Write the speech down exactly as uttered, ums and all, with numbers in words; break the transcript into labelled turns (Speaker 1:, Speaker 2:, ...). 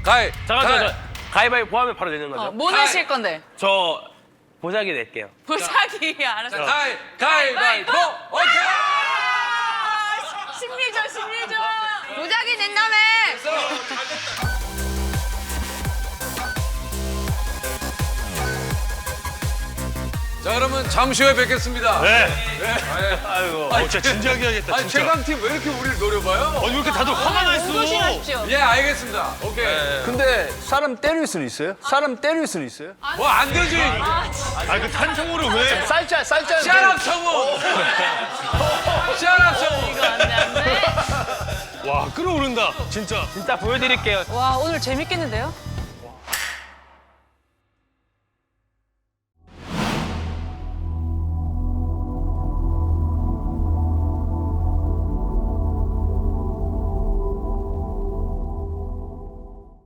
Speaker 1: 가위.
Speaker 2: 잠깐,
Speaker 1: 가위.
Speaker 2: 잠깐. 가위바위보 하면 바로 내는 거죠?
Speaker 3: 어, 뭐 내실 건데?
Speaker 2: 저 보자기 낼게요.
Speaker 3: 보자기 알았어.
Speaker 1: 자, 가위. 가위바위보. 오케이.
Speaker 3: 심리전 심리전. 보자기 낸다며.
Speaker 1: 자, 그러면 잠시 후에 뵙겠습니다.
Speaker 4: 네.
Speaker 2: 아이고.
Speaker 4: 어, 진짜 진지하게 해야겠다,
Speaker 1: 아니,
Speaker 4: 진짜.
Speaker 1: 최강팀 왜 이렇게 우리를 노려봐요?
Speaker 4: 어, 왜 이렇게 다들 화가 나 있어?
Speaker 3: 조심하십시오.
Speaker 1: 예, 알겠습니다. 오케이.
Speaker 5: 근데 사람 때릴 수는 있어요? 사람 때릴 수는 있어요?
Speaker 1: 뭐 안 되지.
Speaker 4: 아, 그 탄성으로 왜?
Speaker 5: 쌀짤 쌀짤.
Speaker 1: 샤랍 청원. 샤랍 청원.
Speaker 3: 이거 안돼 안돼.
Speaker 4: 와, 끌어오른다, 진짜.
Speaker 2: 진짜 보여드릴게요.
Speaker 3: 와 오늘 재밌겠는데요?